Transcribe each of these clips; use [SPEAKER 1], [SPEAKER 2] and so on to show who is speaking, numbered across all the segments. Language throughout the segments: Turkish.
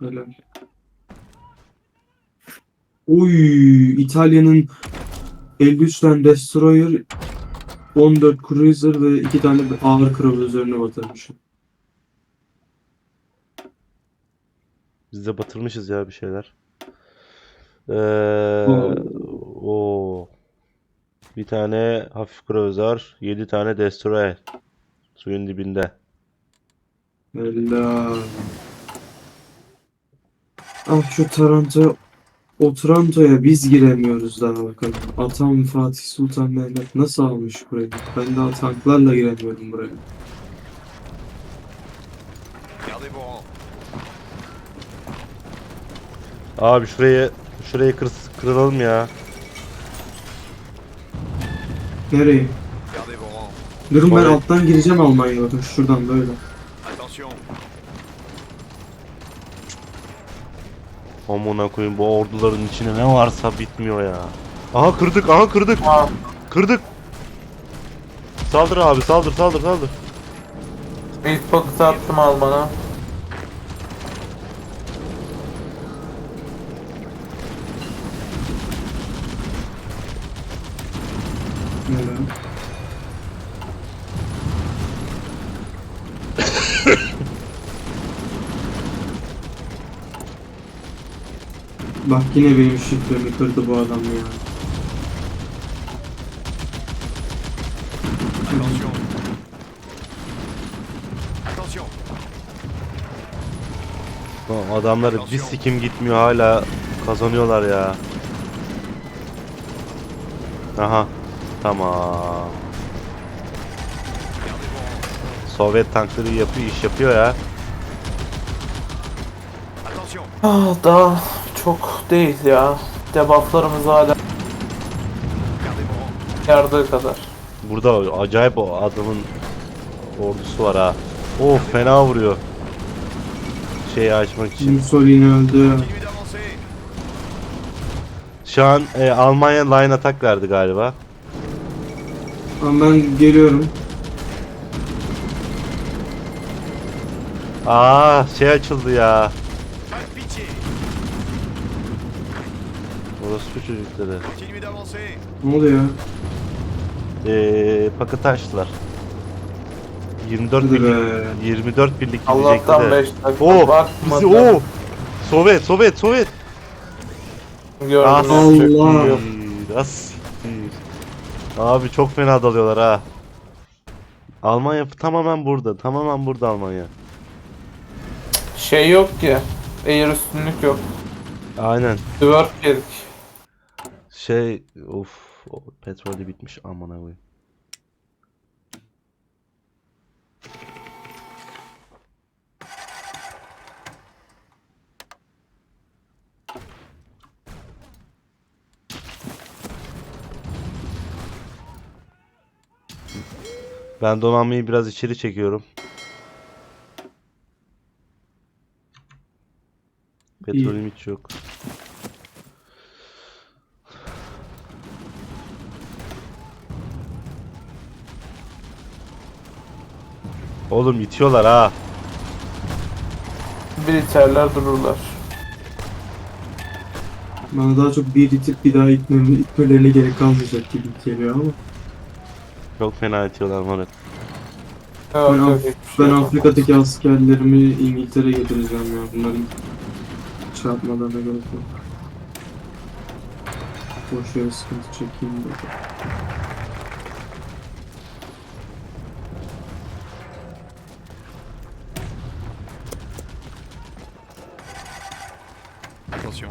[SPEAKER 1] Helal. Oy, İtalya'nın 53 tane destroyer, 14 cruiser ve 2 tane ağır kravalı üzerine batırmış.
[SPEAKER 2] Biz de batırmışız ya bir şeyler.
[SPEAKER 1] Oo,
[SPEAKER 2] O bir tane hafif kruzör, 7 tane destroyer suyun dibinde.
[SPEAKER 1] helal. Ah şu Taranto, o Taranto'ya biz giremiyoruz daha bakalım. Atam Fatih Sultan Mehmet nasıl almış burayı? Ben daha tanklarla giremiyorum buraya.
[SPEAKER 3] Gardez vos rangs.
[SPEAKER 2] Abi şurayı kıralım ya.
[SPEAKER 1] Nereye?
[SPEAKER 3] Gardez vos rangs.
[SPEAKER 1] Durun ben
[SPEAKER 2] Sonra
[SPEAKER 1] alttan gireceğim Almanya'ya, bakın şuradan böyle.
[SPEAKER 3] Attention.
[SPEAKER 2] amına koyayım, bu orduların içine ne varsa bitmiyor ya. Aha kırdık, aha kırdık.
[SPEAKER 4] Aa,
[SPEAKER 2] Kırdık. Saldır abi, saldır.
[SPEAKER 4] ilk paketi attım Alman'a.
[SPEAKER 1] Helal. Bak yine benim şifremi kırdı bu adam ya.
[SPEAKER 3] Attention. Attention.
[SPEAKER 2] Lan adamları bir sikim gitmiyor, hala kazanıyorlar ya. Aha. Tamam.
[SPEAKER 3] Gardez vos rangs.
[SPEAKER 2] Sovyet tankları iş yapıyor ya.
[SPEAKER 3] Attention.
[SPEAKER 4] Daha çok değil ya. Debufflarımız hala
[SPEAKER 3] Gardez vos rangs.
[SPEAKER 4] yardığı kadar.
[SPEAKER 2] Burada acayip o adamın ordusu var ha. Oh, fena vuruyor. Şeyi açmak için.
[SPEAKER 1] Mussolini öldü.
[SPEAKER 3] Continuez d'avancer.
[SPEAKER 2] Şu an Almanya line attack verdi galiba.
[SPEAKER 1] Ama ben geliyorum.
[SPEAKER 2] Aa, şey açıldı ya.
[SPEAKER 3] Pas de pitié.
[SPEAKER 2] Orospu çocukları.
[SPEAKER 3] Continuez d'avancer.
[SPEAKER 1] Ne oluyor?
[SPEAKER 2] Paket açtılar. 24
[SPEAKER 1] Hadi
[SPEAKER 2] birlik,
[SPEAKER 1] be.
[SPEAKER 2] 24 birlik gidecekti
[SPEAKER 4] Allah'tan
[SPEAKER 2] de.
[SPEAKER 4] 5 dakika
[SPEAKER 2] Oh,
[SPEAKER 4] bakmadım.
[SPEAKER 2] bizi Sovyet.
[SPEAKER 4] Gördüm,
[SPEAKER 2] Ah,
[SPEAKER 4] yapacak bir şey
[SPEAKER 1] Allah.
[SPEAKER 4] yok.
[SPEAKER 2] Siktir. Abi çok fena dalıyorlar ha. Almanya tamamen burada Almanya.
[SPEAKER 4] Şey yok ki. Air üstünlük yok.
[SPEAKER 2] Aynen.
[SPEAKER 4] Dwarf yedik.
[SPEAKER 2] Petrolü bitmiş, amına koyayım. Ben donanmayı biraz içeri çekiyorum. Petrolüm hiç yok. Oğlum itiyorlar ha.
[SPEAKER 4] Bir içerler dururlar.
[SPEAKER 1] Bana daha çok bir itip bir daha itmelerine gerek kalmayacak gibi geliyor ama.
[SPEAKER 2] Çok fena itiyorlar Murat.
[SPEAKER 4] Yok,
[SPEAKER 1] Ben,
[SPEAKER 4] yok, hiçbir şey
[SPEAKER 1] Ben
[SPEAKER 4] yok.
[SPEAKER 1] Afrika'daki askerlerimi İngiltere'ye getireceğim ya. Bunların çarpmalarına gerek yok. Boş yere sıkıntı çekeyim de.
[SPEAKER 3] Attention.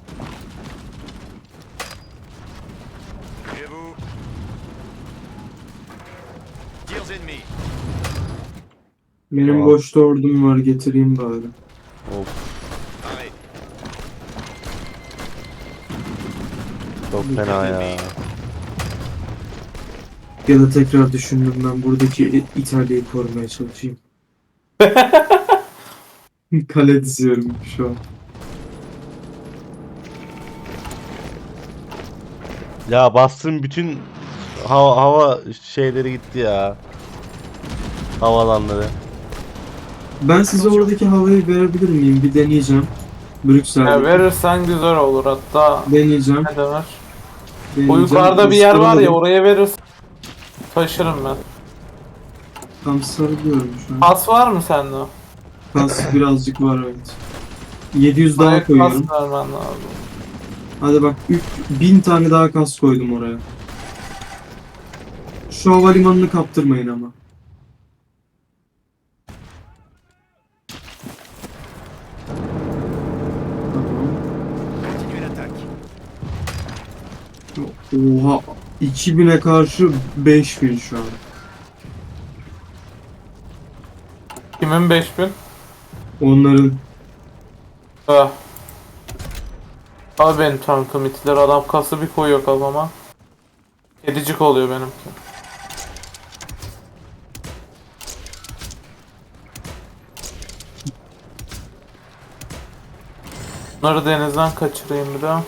[SPEAKER 3] Et vous. Tirs ennemis.
[SPEAKER 1] Benim
[SPEAKER 2] Aa.
[SPEAKER 1] boşta ordum var, getireyim bari.
[SPEAKER 2] Of,
[SPEAKER 3] Arrêt.
[SPEAKER 2] çok fena ya.
[SPEAKER 1] Ya da tekrar düşündüm, ben buradaki İtalya'yı korumaya çalışayım. Kale diziyorum şu an.
[SPEAKER 2] Ya bastığım bütün hava şeyleri gitti ya. Havalanları.
[SPEAKER 1] Ben size oradaki havayı verebilir miyim? Bir deneyeceğim.
[SPEAKER 4] Ya
[SPEAKER 1] Brüksel'deki.
[SPEAKER 4] verirsen güzel olur hatta.
[SPEAKER 1] Deneyeceğim.
[SPEAKER 4] Ne demek? O
[SPEAKER 1] Deneyeceğim.
[SPEAKER 4] yukarıda bir yer var ya,
[SPEAKER 1] Sarılalım.
[SPEAKER 4] oraya verirsen taşırım ben.
[SPEAKER 1] Tam sarılıyorum şu an.
[SPEAKER 4] Pas var mı sende?
[SPEAKER 1] Kas birazcık var, evet. 700
[SPEAKER 4] Oraya
[SPEAKER 1] daha koyuyorum.
[SPEAKER 4] pas vermen lazım.
[SPEAKER 1] Hadi bak 1000 tane daha kas koydum oraya. Şu havalimanını kaptırmayın ama. Tamam.
[SPEAKER 3] Continuez l'attaque.
[SPEAKER 1] Oha, 2000'e karşı 5000 şu an.
[SPEAKER 4] Kimin 5000?
[SPEAKER 1] Onların
[SPEAKER 4] Ah. Abi benim tankım itiler, adam kası bir koyuyor kafama. Kedicik oluyor benimki. Bunları denizden kaçırayım bir daha.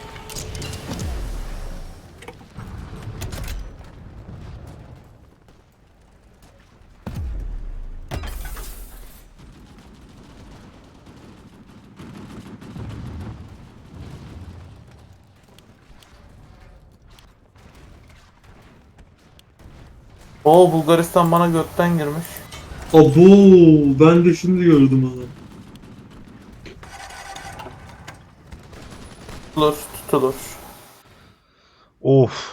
[SPEAKER 4] Oo, Bulgaristan bana götten girmiş.
[SPEAKER 1] abo, ben de şimdi gördüm onu.
[SPEAKER 4] Tutulur, tutulur.
[SPEAKER 2] Of.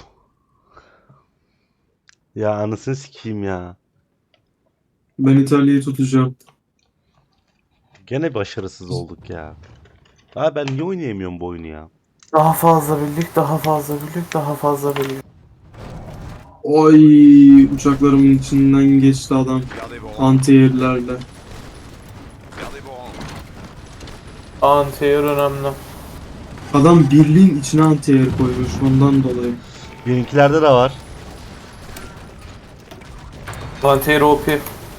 [SPEAKER 2] Ya anasını sikeyim ya.
[SPEAKER 1] Ben İtalya'yı tutacağım.
[SPEAKER 2] Gene başarısız olduk ya. Abi ben niye oynayamıyorum bu oyunu ya?
[SPEAKER 4] Daha fazla birlik, daha fazla birlik, daha fazla birlik.
[SPEAKER 1] Oy, uçaklarımın içinden geçti adam.
[SPEAKER 3] Gardez vos rangs.
[SPEAKER 1] Anti-air'lerle.
[SPEAKER 3] Gardez vos rangs.
[SPEAKER 4] Anti-air önemli.
[SPEAKER 1] Adam birliğin içine anti-air koymuş ondan dolayı.
[SPEAKER 2] Benimkilerde de var.
[SPEAKER 4] Anti-air OP.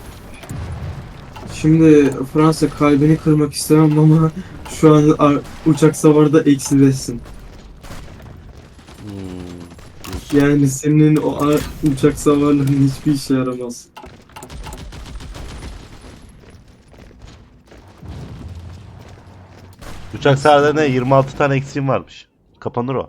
[SPEAKER 1] Şimdi Fransa, kalbini kırmak istemem ama şu an uçak savarda eksi 5'sin. Yani senin o uçak savarların hiçbir işe yaramaz.
[SPEAKER 2] Uçak savarlarına 26 tane eksiğim varmış. Kapanır o.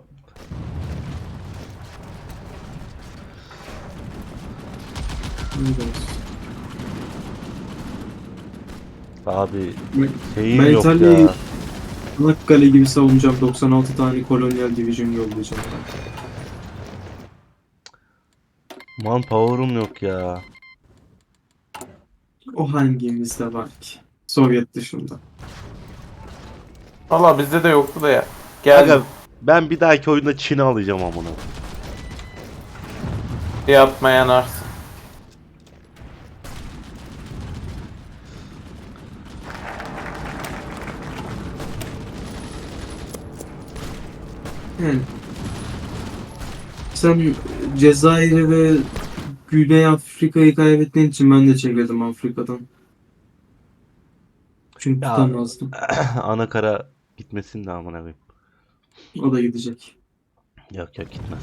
[SPEAKER 2] Abi şeyim
[SPEAKER 1] Ben
[SPEAKER 2] yok
[SPEAKER 1] İtalya'yı
[SPEAKER 2] ya.
[SPEAKER 1] Çanakkale gibi savunacağım. 96 tane kolonyal division yollayacağım.
[SPEAKER 2] Manpower'um yok ya.
[SPEAKER 1] O hangimizde var ki? Sovyet dışında.
[SPEAKER 4] Valla bizde de yoktu da ya. Gel.
[SPEAKER 2] Aga, ben bir dahaki oyunda Çin'i alacağım amına.
[SPEAKER 4] Yapmayan arsın.
[SPEAKER 1] Yani sen Cezayir'i ve Güney Afrika'yı kaybettiğin için ben de çekildim Afrika'dan. Çünkü
[SPEAKER 2] Ya.
[SPEAKER 1] tutamazdım.
[SPEAKER 2] Ana kara gitmesin de amına koyayım.
[SPEAKER 1] O da gidecek.
[SPEAKER 2] Yok yok, gitmez.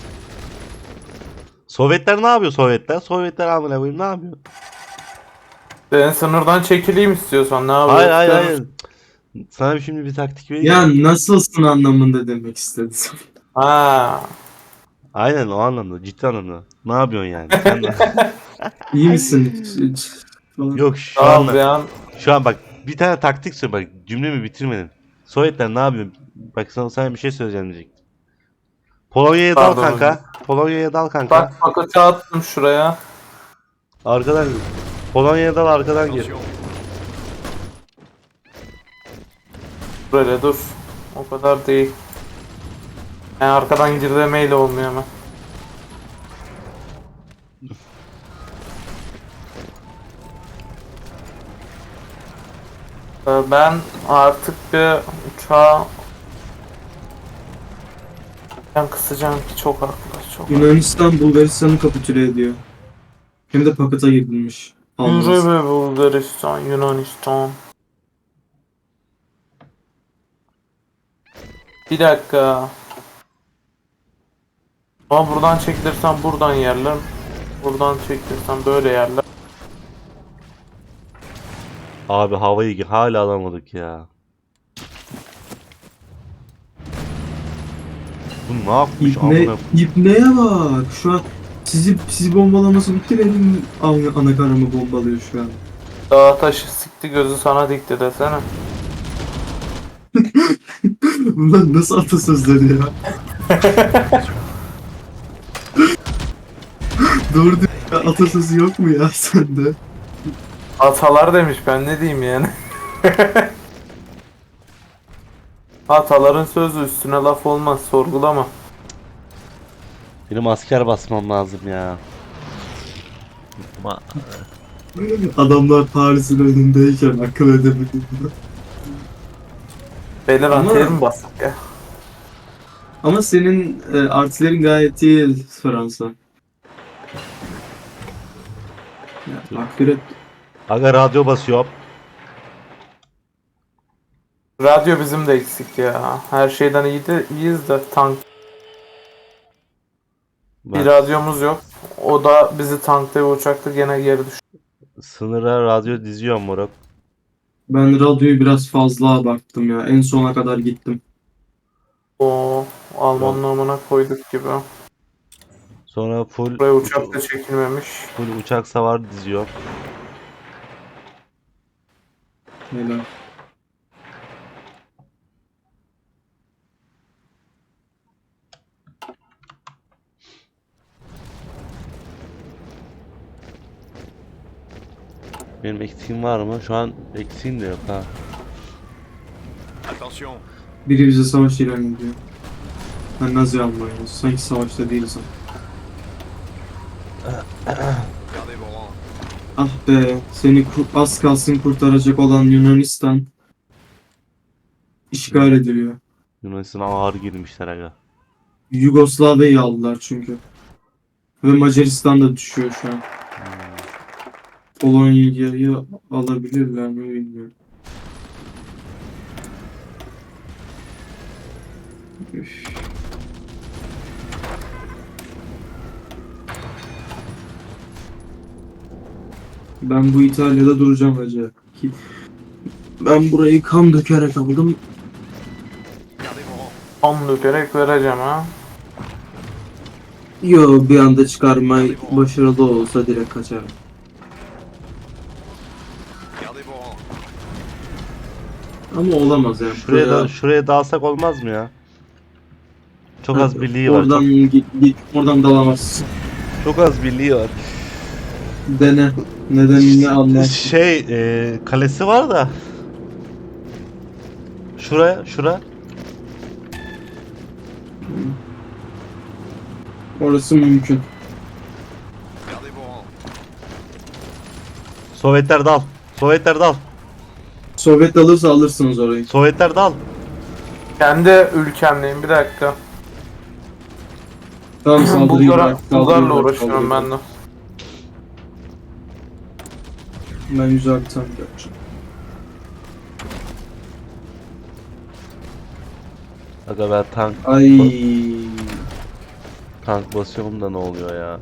[SPEAKER 2] Sovyetler ne yapıyor Sovyetler? Sovyetler amına koyayım ne yapıyor?
[SPEAKER 4] Ben sınırdan çekileyim istiyorsan, ne yapıyorsun?
[SPEAKER 2] Hayır hayır hayır. Sana şimdi bir taktik vereyim.
[SPEAKER 1] Ya nasılsın anlamında demek istedim.
[SPEAKER 4] Ha.
[SPEAKER 2] Aynen o anlamda, ciddi anlamda. Ne yapıyorsun yani? Sen de...
[SPEAKER 1] İyi misin? Falan.
[SPEAKER 2] Yok şu
[SPEAKER 4] Tamam
[SPEAKER 2] anda.
[SPEAKER 4] ya.
[SPEAKER 2] Şu an bak bir tane taktik söyle, bak cümlemi bitirmedin. Sovyetler ne yapıyor? Bak sana bir şey söyleyeceğim diyecektim. Polonya'ya dal
[SPEAKER 4] Pardon
[SPEAKER 2] kanka. Polonya'ya dal kanka.
[SPEAKER 4] Bak paketi attım şuraya.
[SPEAKER 2] Arkadan Polonya'ya dal, arkadan gir.
[SPEAKER 3] Attention.
[SPEAKER 4] Böyle dur. O kadar değil. Yani arkadan gir demeyle olmuyor hemen. Ben artık bir uçağa ben kısacağım ki çok haklı. Çok haklı.
[SPEAKER 1] Yunanistan Bulgaristan'ı kapitüle ediyor. Hem de paketa girilmiş.
[SPEAKER 4] Yürü
[SPEAKER 1] Almaz.
[SPEAKER 4] be Bulgaristan, Yunanistan. Bir dakika. Ama buradan çekilirsem buradan yerler. Buradan çekilirsem böyle yerler.
[SPEAKER 2] Abi havayı hala alamadık ya. Bu ne yapmış amına?
[SPEAKER 1] İpneye bak. Şu an sizi bombalaması bitti, benim anakarımı bombalıyor şu an.
[SPEAKER 4] Dağa taşı sikti gözü sana dikti desene.
[SPEAKER 1] Bunlar nasıl atasözleri ya? Doğru diyor. Atasözü yok mu ya sende?
[SPEAKER 4] Atalar demiş, ben ne diyeyim yani. Ataların sözü, üstüne laf olmaz, sorgulama.
[SPEAKER 2] Benim asker basmam lazım ya.
[SPEAKER 1] Adamlar Paris'in önündeyken akıl edemedim.
[SPEAKER 4] Beyler
[SPEAKER 1] Ama-
[SPEAKER 4] antiyer mi bastık ya?
[SPEAKER 1] Ama senin artilerin gayet iyi Fransa. Ya, takdir et.
[SPEAKER 2] Aga radyo basıyor.
[SPEAKER 4] Radyo bizim de eksik ya. Her şeyden iyiyiz de tank. Bir
[SPEAKER 2] Ben
[SPEAKER 4] radyomuz yok. O da bizi tankta ve uçakta gene geri düştü.
[SPEAKER 2] sınıra radyo diziyorum moruk.
[SPEAKER 1] Ben radyoyu biraz fazla abarttım ya. En sona kadar gittim.
[SPEAKER 4] O Alman namına koyduk gibi.
[SPEAKER 2] Sonra full
[SPEAKER 4] Buraya uçak da çekilmemiş.
[SPEAKER 2] full uçak savar diziyorum.
[SPEAKER 1] Helal.
[SPEAKER 2] Benim eksiğim var mı? Şu an eksiğim de yok ha.
[SPEAKER 3] Attention,
[SPEAKER 1] Biri bize savaş ilan ediyor. Ben Nazi Almanya'yız. Sanki savaşta değiliz ama.
[SPEAKER 3] gardez vos rangs.
[SPEAKER 1] Ah be, seni az kalsın kurtaracak olan Yunanistan işgal ediliyor.
[SPEAKER 2] Yunanistan'a ağır girmişler aga.
[SPEAKER 1] Yugoslavya'yı aldılar çünkü. Ve Macaristan da düşüyor şu an. Polonya'yı alabilirler mi bilmiyorum. Üf. Ben bu İtalya'da duracağım acaba. Ben burayı kan dökerek aldım.
[SPEAKER 3] Gardez vos rangs.
[SPEAKER 4] Tam dökerek vereceğim ha.
[SPEAKER 1] Yo, bir anda çıkarma başarılı olsa direkt kaçarım.
[SPEAKER 3] Gardez vos rangs.
[SPEAKER 1] Ama olamaz yani.
[SPEAKER 2] Şuraya dalsak olmaz mı ya? Çok az birliği var.
[SPEAKER 1] Oradan git, oradan dalamazsın.
[SPEAKER 2] Çok az birliği var.
[SPEAKER 1] Dene. Nedenini anlar.
[SPEAKER 2] Kalesi var da. Şura.
[SPEAKER 1] Orası mümkün.
[SPEAKER 3] Gardez vos rangs.
[SPEAKER 2] Sovyetler dal. Sovyetler dal.
[SPEAKER 1] Sovyet alırsa alırsınız orayı.
[SPEAKER 2] Sovyetler dal.
[SPEAKER 4] Kendi ülkemdeyim, bir dakika.
[SPEAKER 1] Tamam, saldırıyı bırak.
[SPEAKER 4] Bulgarla uğraşıyorum ben de.
[SPEAKER 1] Ben güzel bir tank yapacağım.
[SPEAKER 2] Aga ben
[SPEAKER 1] Ay.
[SPEAKER 2] tank basıyorum da ne oluyor ya?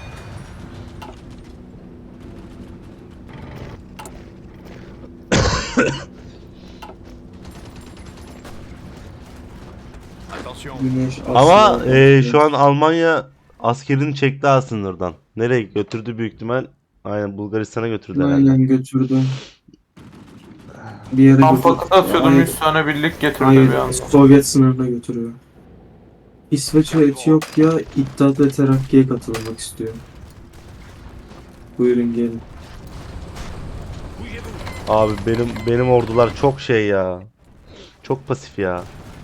[SPEAKER 3] Attention,
[SPEAKER 1] Güneş
[SPEAKER 2] Ama
[SPEAKER 1] Asya.
[SPEAKER 2] şu an Almanya askerini çekti ha sınırdan. Nereye götürdü büyük ihtimal? Aynen Bulgaristan'a götürdü herhalde.
[SPEAKER 1] Aynen götürdü. Bir yere
[SPEAKER 4] Tam
[SPEAKER 1] götürdü.
[SPEAKER 4] paket atıyordum,
[SPEAKER 1] Hayır,
[SPEAKER 4] 100 tane birlik getirdi
[SPEAKER 1] hayır,
[SPEAKER 4] bir anda.
[SPEAKER 1] Sovyet sınırına götürüyor. İsveç ve Etiyopya İttihat ve Terakki'ye katılmak istiyor. Buyurun gelin.
[SPEAKER 3] bougez-vous.
[SPEAKER 2] Abi benim ordular çok şey ya. Çok pasif ya.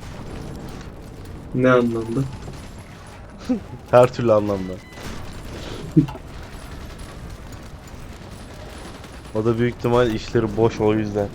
[SPEAKER 1] Ne anlamda?
[SPEAKER 2] Her türlü anlamda. O da büyük ihtimal işleri boş o yüzden.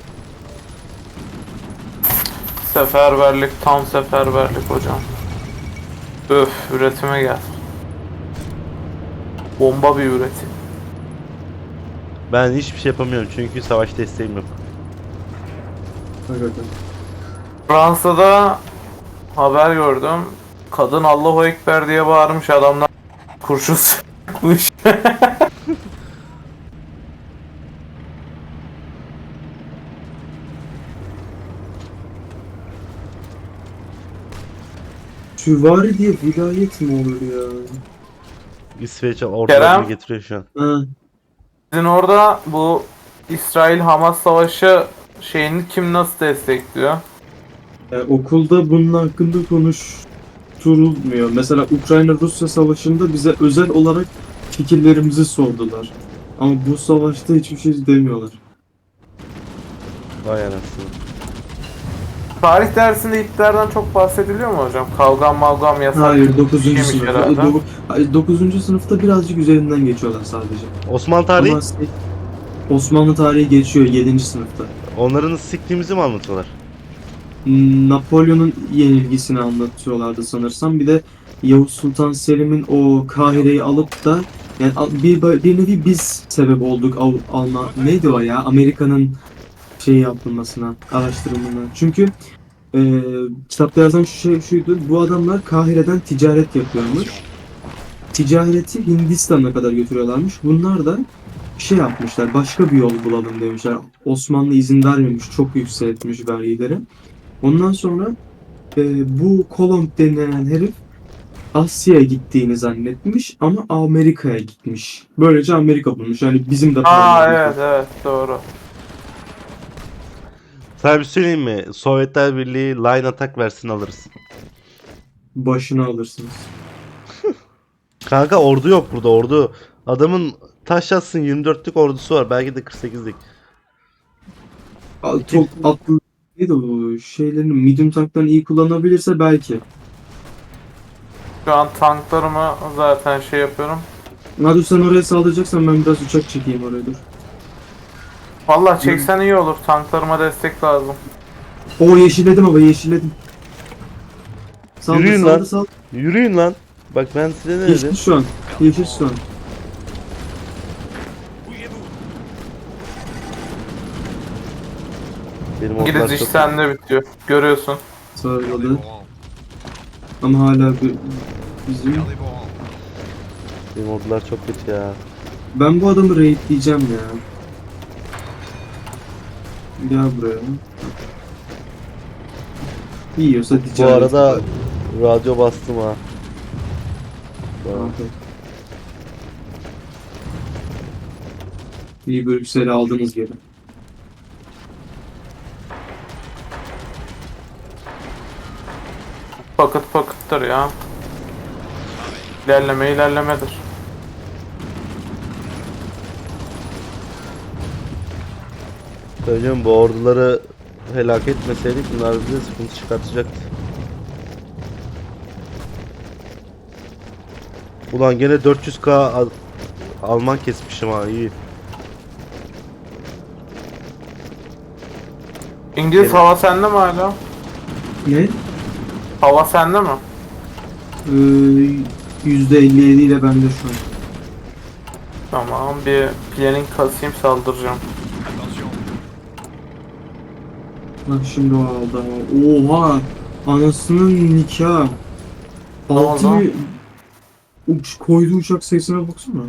[SPEAKER 4] Seferberlik, tam seferberlik hocam. Öf, üretime gel. Bomba bir üretim.
[SPEAKER 2] Ben hiçbir şey yapamıyorum çünkü savaş desteğim yok.
[SPEAKER 1] Hakikaten.
[SPEAKER 4] Fransa'da haber gördüm. Kadın Allahu Ekber diye bağırmış, adamlar kurşun sıkmış.
[SPEAKER 1] Süvari diye vilayet mi olur ya?
[SPEAKER 2] İsveç'e ortalarını
[SPEAKER 4] Kerem?
[SPEAKER 2] getiriyor şu an.
[SPEAKER 1] Ha,
[SPEAKER 4] Sizin orada bu İsrail-Hamas savaşı şeyini kim nasıl destekliyor?
[SPEAKER 1] okulda bunun hakkında konuşturulmuyor. Mesela Ukrayna-Rusya savaşında bize özel olarak fikirlerimizi sordular. Ama bu savaşta hiçbir şey demiyorlar.
[SPEAKER 2] Vay anasını.
[SPEAKER 4] Tarih dersinde Hitler'den çok bahsediliyor mu hocam? Kavgam mavgam yasak.
[SPEAKER 1] Hayır 9.
[SPEAKER 4] şeymiş
[SPEAKER 1] sınıfta.
[SPEAKER 4] herhalde.
[SPEAKER 1] 9. sınıfta birazcık üzerinden geçiyorlar sadece.
[SPEAKER 2] Osmanlı tarihi
[SPEAKER 1] Ama Osmanlı tarihi geçiyor 7. sınıfta.
[SPEAKER 2] onların siktiğimizi mi anlatıyorlar?
[SPEAKER 1] Napolyon'un yenilgisini anlatıyorlardı sanırsam. Bir de Yavuz Sultan Selim'in o Kahire'yi alıp da yani bir nevi biz sebep olduk neydi o ya Amerika'nın yapılmasına, araştırılmasına. Çünkü kitapta yazan şuydu. Bu adamlar Kahire'den ticaret yapıyormuş. Ticareti Hindistan'a kadar götürüyorlarmış. Bunlar da yapmışlar. Başka bir yol bulalım demişler. Osmanlı izin vermemiş. Çok yükseltmiş vergileri. Ondan sonra bu Kolomb denilen herif Asya'ya gittiğini zannetmiş ama Amerika'ya gitmiş. Böylece Amerika bulmuş. Yani bizim de
[SPEAKER 4] Aa
[SPEAKER 1] paramız
[SPEAKER 4] evet doğru.
[SPEAKER 2] Sana bir söyleyeyim mi? Sovyetler Birliği line attack versin alırız.
[SPEAKER 1] başına alırsınız.
[SPEAKER 2] Kanka ordu yok burada ordu. Adamın taş yatsın 24'lük ordusu var. Belki de 48'lik.
[SPEAKER 1] Çok atlı neydi o şeylerini medium tanklarını iyi kullanabilirse belki.
[SPEAKER 4] Şu an tanklarımı zaten şey yapıyorum.
[SPEAKER 1] Hadi sen oraya saldıracaksan ben biraz uçak çekeyim oraya dur.
[SPEAKER 4] Vallahi çeksen iyi olur. Tanklarıma destek lazım.
[SPEAKER 1] O yeşilledim ama yeşilledim. Saldır
[SPEAKER 2] Yürüyün
[SPEAKER 1] saldır
[SPEAKER 2] lan.
[SPEAKER 1] saldır.
[SPEAKER 2] Yürüyün lan. Bak ben size ne dedim?
[SPEAKER 1] Yeşil şu an. Yeşil şu an.
[SPEAKER 2] Benim
[SPEAKER 4] İngiliz
[SPEAKER 2] ordular
[SPEAKER 4] iş
[SPEAKER 2] çok...
[SPEAKER 4] sende bitiyor. Görüyorsun.
[SPEAKER 3] Gardez
[SPEAKER 1] Sağladı.
[SPEAKER 3] vos rangs.
[SPEAKER 1] Ama hala bizim...
[SPEAKER 3] Gardez vos rangs.
[SPEAKER 2] Benim ordular çok kötü ya.
[SPEAKER 1] Ben bu adamı raidleyeceğim ya. Gel buraya. Yiyorsa
[SPEAKER 2] Bu
[SPEAKER 1] ticaret.
[SPEAKER 2] arada radyo bastım ha.
[SPEAKER 1] Aferin. İyi Brüksel'i aldınız geri.
[SPEAKER 4] Pakıt pakıttır ya. İlerleme ilerlemedir.
[SPEAKER 2] Söyleyeyim bu orduları helak etmeseydik bunlar bize sıkıntı çıkartacaktı. Ulan gene 400k Alman kesmişim ha iyi.
[SPEAKER 4] İngiliz
[SPEAKER 2] Evet.
[SPEAKER 4] hava sende mi hala?
[SPEAKER 1] Ne?
[SPEAKER 4] Hava sende mi?
[SPEAKER 1] %57 ile bende şu an.
[SPEAKER 4] Tamam bir planning kasayım saldıracağım.
[SPEAKER 3] Attention.
[SPEAKER 1] Bak şimdi o aldı ama. Oha! Anasının nikahı.
[SPEAKER 4] Ne
[SPEAKER 1] Altı
[SPEAKER 4] oldu?
[SPEAKER 1] koyduğu uçak sayısına baksana.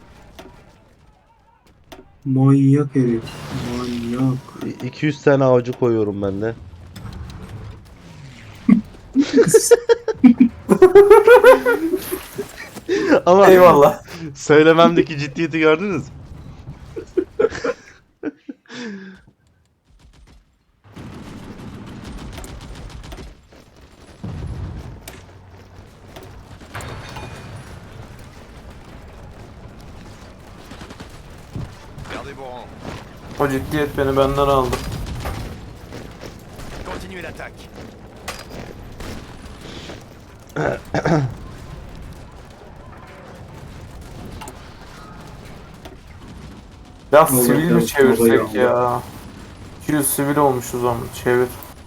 [SPEAKER 1] Manyak herif. Manyak.
[SPEAKER 2] 200 tane avcı koyuyorum ben de. Ama
[SPEAKER 4] Eyvallah.
[SPEAKER 2] söylememdeki ciddiyeti gördünüz mü?
[SPEAKER 3] Gardez vos rangs.
[SPEAKER 4] O ciddiyet beni benden aldı.
[SPEAKER 3] Continuez l'attaque.
[SPEAKER 4] Ya
[SPEAKER 1] Vallahi
[SPEAKER 4] sivil
[SPEAKER 1] ya,
[SPEAKER 4] mi çevirsek
[SPEAKER 1] vallahi
[SPEAKER 4] ya? 200 sivil olmuşuz ama çevir.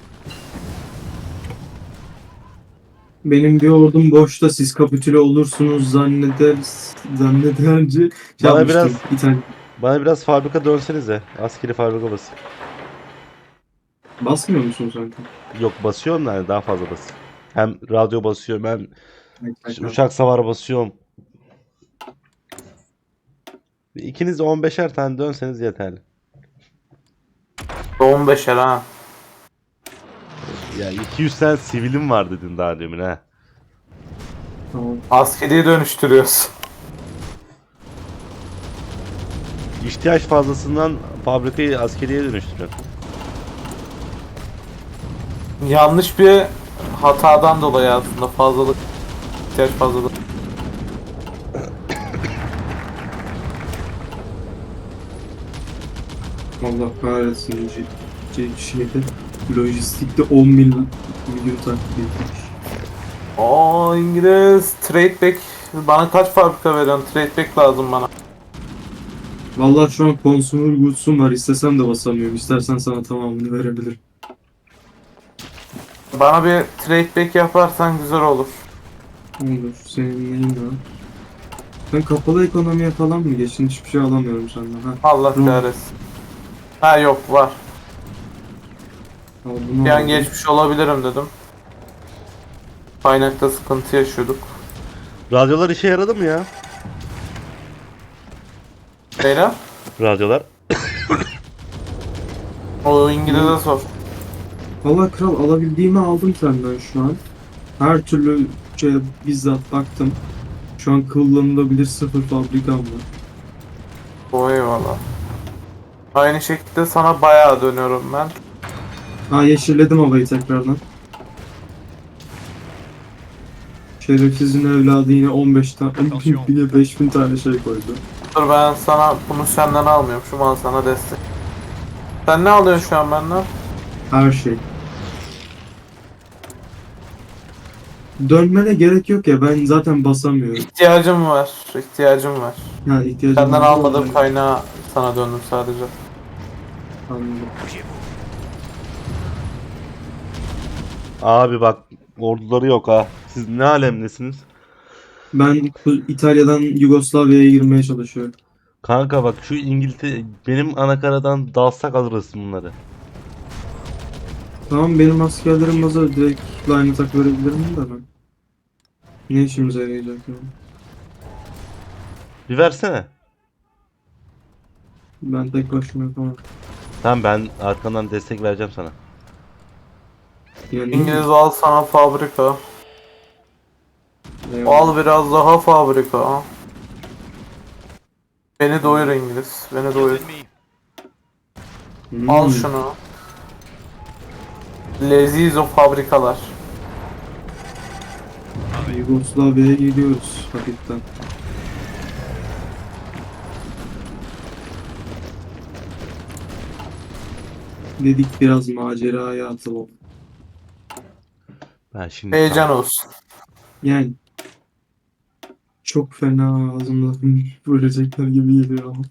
[SPEAKER 1] Benim bir ordum boşta, siz kapitüle olursunuz zannederce
[SPEAKER 2] Bana
[SPEAKER 1] yapmıştım.
[SPEAKER 2] biraz-
[SPEAKER 1] İtalya.
[SPEAKER 2] Bana biraz fabrika dönsenize. Askeri fabrika basın.
[SPEAKER 1] Basmıyor musun sanki?
[SPEAKER 2] Yok basıyorum da yani daha fazla basın. Hem radyo basıyorum hem uçak savar basıyorum. İkiniz de 15'er tane dönseniz yeterli.
[SPEAKER 4] 15'er ha.
[SPEAKER 2] Ya 200 tane sivilim var dedin daha demin ha.
[SPEAKER 1] Tamam.
[SPEAKER 4] Askeriye dönüştürüyoruz.
[SPEAKER 2] İhtiyaç fazlasından fabrikayı askeriye dönüştürüyor.
[SPEAKER 4] Yanlış bir hatadan dolayı aslında fazlalık. İhtiyaç fazlalık.
[SPEAKER 1] Allah kahretsin. Şeyde lojistikte 10 milyon takip etmiş.
[SPEAKER 4] Oo İngiliz. Trade back. Bana kaç fabrika veriyorsun? Trade back lazım bana.
[SPEAKER 1] Vallahi şu an consumer goods'um var. İstesem de basamıyorum. İstersen sana tamamını verebilirim.
[SPEAKER 4] Bana bir trade back yaparsan güzel olur.
[SPEAKER 1] Olur. Senin neyin var? Sen kapalı ekonomiye falan mı geçtin? Hiçbir şey alamıyorum senden. Ha.
[SPEAKER 4] Allah
[SPEAKER 1] Tamam.
[SPEAKER 4] kahretsin. Ha yok var.
[SPEAKER 1] Al bunu
[SPEAKER 4] Bir an
[SPEAKER 1] aldım.
[SPEAKER 4] geçmiş olabilirim dedim. Kaynakta sıkıntı yaşıyorduk.
[SPEAKER 2] Radyolar işe yaradı mı ya?
[SPEAKER 4] Beyler,
[SPEAKER 2] Radyolar.
[SPEAKER 4] o İngiliz'e sor.
[SPEAKER 1] Valla kral alabildiğimi aldım senden şu an. Her türlü şeye bizzat baktım. Şu an kullanılabilir sıfır fabrikam var.
[SPEAKER 4] O eyvallah. Aynı şekilde sana bayağı dönüyorum ben.
[SPEAKER 1] Ha yeşilledim havayı tekrardan. Şerefsizin evladı yine 15 tane, yine 5000 tane şey koydu.
[SPEAKER 4] Dur ben sana bunu senden almıyorum. Şu an sana destek. Sen ne alıyorsun şu an benden?
[SPEAKER 1] Her şey. Dönmene gerek yok ya, ben zaten basamıyorum.
[SPEAKER 4] İhtiyacım var. İhtiyacım var.
[SPEAKER 1] Yani ihtiyacım
[SPEAKER 4] Senden
[SPEAKER 1] var.
[SPEAKER 4] almadığım kaynağı sana döndüm sadece.
[SPEAKER 1] Anladım.
[SPEAKER 2] Abi bak orduları yok ha. Siz ne alemdesiniz?
[SPEAKER 1] Ben İtalya'dan Yugoslavya'ya girmeye çalışıyorum.
[SPEAKER 2] Kanka bak şu İngiltere benim anakaradan dalsak alırız bunları.
[SPEAKER 1] Tamam, benim askerlerim hazır, direkt line attack verebilirim de ben. Ne işimize yarayacak yani?
[SPEAKER 2] Bir versene.
[SPEAKER 1] Ben tek başıma yapamam.
[SPEAKER 2] Tamam ben arkandan destek vereceğim sana.
[SPEAKER 1] Yani
[SPEAKER 4] İngiliz al sana fabrika.
[SPEAKER 1] eyvallah.
[SPEAKER 4] Al biraz daha fabrika. Beni doyur İngiliz. Beni doyur.
[SPEAKER 3] Ennemis.
[SPEAKER 1] Hmm.
[SPEAKER 4] Al şunu. Leziz o fabrikalar.
[SPEAKER 1] Yugoslavya'ya gidiyoruz hafiften. Dedik biraz maceraya atılalım.
[SPEAKER 2] Ben şimdi
[SPEAKER 4] Heyecan olsun.
[SPEAKER 1] Yani çok fena ağzımda bölecekler gibi geliyor ama.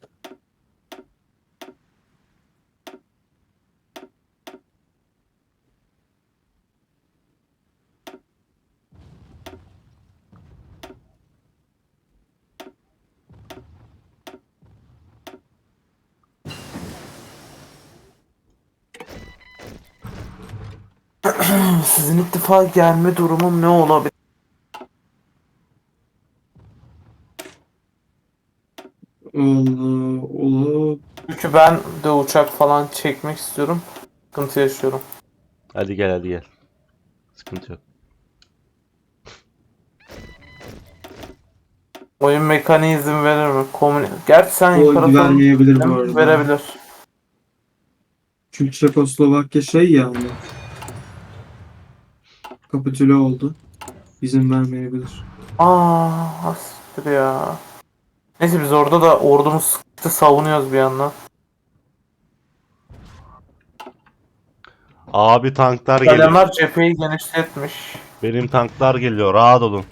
[SPEAKER 4] Sizin ittifaka gelme durumum ne olabilir?
[SPEAKER 1] Allah Allah.
[SPEAKER 4] Çünkü ben de uçak falan çekmek istiyorum. Sıkıntı yaşıyorum.
[SPEAKER 2] hadi gel hadi gel. Sıkıntı yok.
[SPEAKER 4] Oyun mekaniği izin verir mi? Gerçi sen
[SPEAKER 1] O
[SPEAKER 4] imparator
[SPEAKER 1] vermeyebilir bu arada.
[SPEAKER 4] verebilir.
[SPEAKER 1] Çünkü Çekoslovakya şey yani. Kapitüle oldu. İzin vermeyebilir.
[SPEAKER 4] Asiktir ya. Neyse biz orada da ordumuz sıkıntı savunuyoruz bir yandan.
[SPEAKER 2] Abi tanklar geliyor.
[SPEAKER 4] İtalyanlar cepheyi genişletmiş.
[SPEAKER 2] Benim tanklar geliyor. Rahat olun.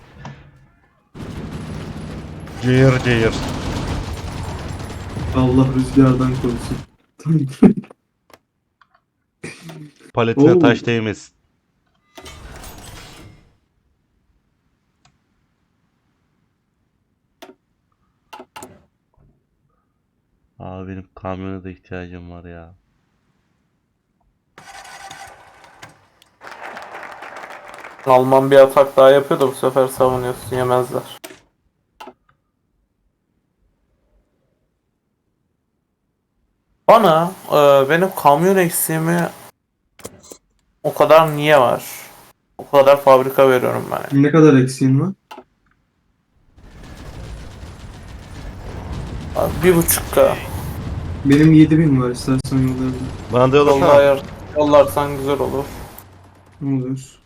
[SPEAKER 2] Cayır cayır.
[SPEAKER 1] Allah rüzgardan korusun.
[SPEAKER 2] Paletine
[SPEAKER 1] Oo.
[SPEAKER 2] taş değmesin. Abi benim kamyona da ihtiyacım var ya.
[SPEAKER 4] Alman bir atak daha yapıyor da bu sefer savunuyorsun, yemezler. Bana benim kamyon eksiğimi o kadar niye var? O kadar fabrika veriyorum ben.
[SPEAKER 1] Ne kadar eksiğin var?
[SPEAKER 4] Abi 1.5K.
[SPEAKER 1] Benim 7000 var, istersen yollayabilirim.
[SPEAKER 2] Bana da
[SPEAKER 4] Yolda
[SPEAKER 2] yollasana.
[SPEAKER 4] ayar yollarsan güzel olur.
[SPEAKER 1] Ne olur.